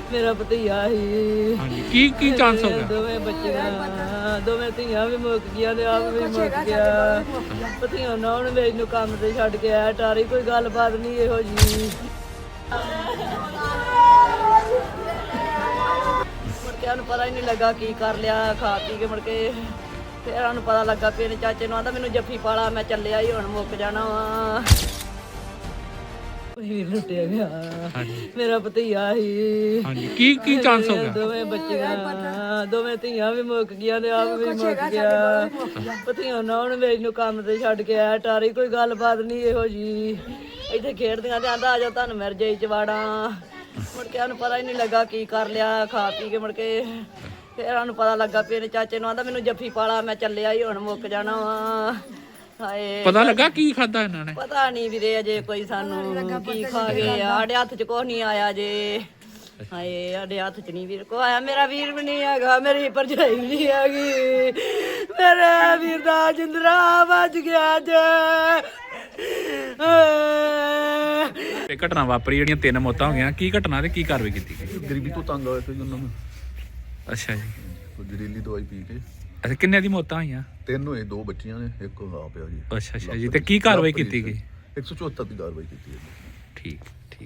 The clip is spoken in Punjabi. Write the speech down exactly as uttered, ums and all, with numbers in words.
ਮੇਰਾ ਭਤੀਆ ਸੀ। ਹਾਂਜੀ ਕੀ ਕੀ ਚਾਂਸ ਹੋ ਗਿਆ? ਦੋਵੇਂ ਬੱਚੀਆਂ ਦੋਵੇਂ ਧੀਆਂ ਵੀ ਮੁੱਕ ਗਈਆਂ ਤੇ ਆਪ ਵੀ ਮੁੱਕ ਗਿਆ। ਭਤੀਆ ਨਾ ਉਹਨੇ ਮੇਰੇ ਨੂੰ ਕੰਮ ਤੇ ਛੱਡ ਕੇ ਆਇਆ ਟਾਰੀ, ਕੋਈ ਗੱਲਬਾਤ ਨਹੀਂ ਇਹੋ ਜੀ। ਮੁੜ ਕੇ ਉਹਨੂੰ ਪਤਾ ਹੀ ਨਹੀਂ ਲੱਗਾ ਕੀ ਕਰ ਲਿਆ, ਖਾ ਪੀ ਕੇ ਮੁੜ ਕੇ ਫਿਰ ਉਹਨੂੰ ਪਤਾ ਲੱਗਾ ਵੀ ਇਹਨੇ ਚਾਚੇ ਨੂੰ ਆਂਦਾ ਮੈਨੂੰ ਜੱਫੀ ਪਾਲਾ, ਮੈਂ ਚੱਲਿਆ ਹੀ ਹੁਣ ਮੁੱਕ ਜਾਣਾ ਵਾ। ਵੀਰ ਲੁੱਟਿਆ ਗਿਆ, ਮੇਰਾ ਭਤੀਆ ਸੀ। ਹਾਂਜੀ ਕੀ ਕੀ ਚਾਂਸ ਹੋ ਗਿਆ? ਦੋਵੇਂ ਬੱਚੀਆਂ ਦੋਵੇਂ ਧੀਆਂ ਵੀ ਮੁੱਕ ਗਈਆਂ ਤੇ ਆਪ ਵੀ ਮੁੱਕ ਗਿਆ। ਭਤੀਆ ਨਾ ਉਹਨੇ ਮੇਰੇ ਨੂੰ ਕੰਮ ਤੇ ਛੱਡ ਕੇ ਆਇਆ ਟਾਰੀ, ਕੋਈ ਗੱਲਬਾਤ ਨਹੀਂ ਇਹੋ ਜੀ। ਇੱਥੇ ਖੇਡਦੀਆਂ ਤੇ ਆਂਦਾ ਆ ਜਾ ਤੁਹਾਨੂੰ ਮਿਰ ਜਾਈ ਚਵਾੜਾਂ। ਮੁੜ ਕੇ ਉਹਨੂੰ ਪਤਾ ਹੀ ਨਹੀਂ ਲੱਗਾ ਕੀ ਕਰ ਲਿਆ, ਖਾ ਪੀ ਕੇ ਮੁੜ ਕੇ ਫਿਰ ਉਹਨੂੰ ਪਤਾ ਲੱਗਾ ਵੀ ਇਹਨੇ ਚਾਚੇ ਨੂੰ ਆਂਦਾ ਮੈਨੂੰ ਜੱਫੀ ਪਾਲਾ, ਮੈਂ ਚੱਲਿਆ ਹੀ ਹੁਣ ਮੁੱਕ ਜਾਣਾ ਵਾ। ਹਾਏ ਪਤਾ ਲੱਗਾ ਕੀ ਖਾਦਾ ਇਹਨਾਂ ਨੇ? ਪਤਾ ਨਹੀਂ ਵੀਰੇ ਅਜੇ ਕੋਈ ਸਾਨੂੰ ਕੀ ਖਾ ਗਏ, ਸਾਡੇ ਹੱਥ 'ਚ ਕੁਛ ਨਹੀਂ ਆਇਆ ਜੇ। ਹਾਏ ਸਾਡੇ ਹੱਥ 'ਚ ਨਹੀਂ ਵੀਰ ਕੋ ਆਇਆ, ਮੇਰਾ ਵੀਰ ਵੀ ਨਹੀਂ ਹੈਗਾ, ਮੇਰੀ ਭਰਜਾਈ ਵੀ ਨਹੀਂ ਹੈਗੀ, ਮੇਰੇ ਵੀਰ ਦਾ ਜਿੰਦਰਾ ਵੱਜ ਗਿਆ ਜੇ। ਇਹ ਘਟਨਾ ਵਾਪਰੀ ਜਿਹੜੀਆਂ ਤਿੰਨ ਮੌਤਾਂ ਹੋ ਗਈਆਂ, ਕੀ ਘਟਨਾ ਤੇ ਕੀ ਕਾਰਵਾਈ ਕੀਤੀ ਗਈ? ਗਰੀਬੀ ਤੋਂ ਤੰਗ ਹੋਏ ਸੀ ਉਹਨਾਂ ਨੂੰ, ਅੱਛਾ ਜੀ। ਕੋਈ ਜ਼ਹਿਰੀਲੀ ਦਵਾਈ ਪੀ ਕੇ ਅੱਛਾ ਕਿੰਨੇ ਦੀ ਮੌਤਾਂ ਹੋਈਆਂ? ਤਿੰਨ ਹੋਏ, ਦੋ ਬੱਚੀਆਂ ਨੇ, ਇੱਕ ਆ ਪਿਆ ਜੀ। ਅੱਛਾ ਅੱਛਾ ਜੀ। ਤੇ ਕੀ ਕਾਰਵਾਈ ਕੀਤੀ ਗਈ? ਇੱਕ ਸੌ ਚੁਹੱਤਰ ਦੀ ਕਾਰਵਾਈ ਕੀਤੀ ਹੈ। ਠੀਕ।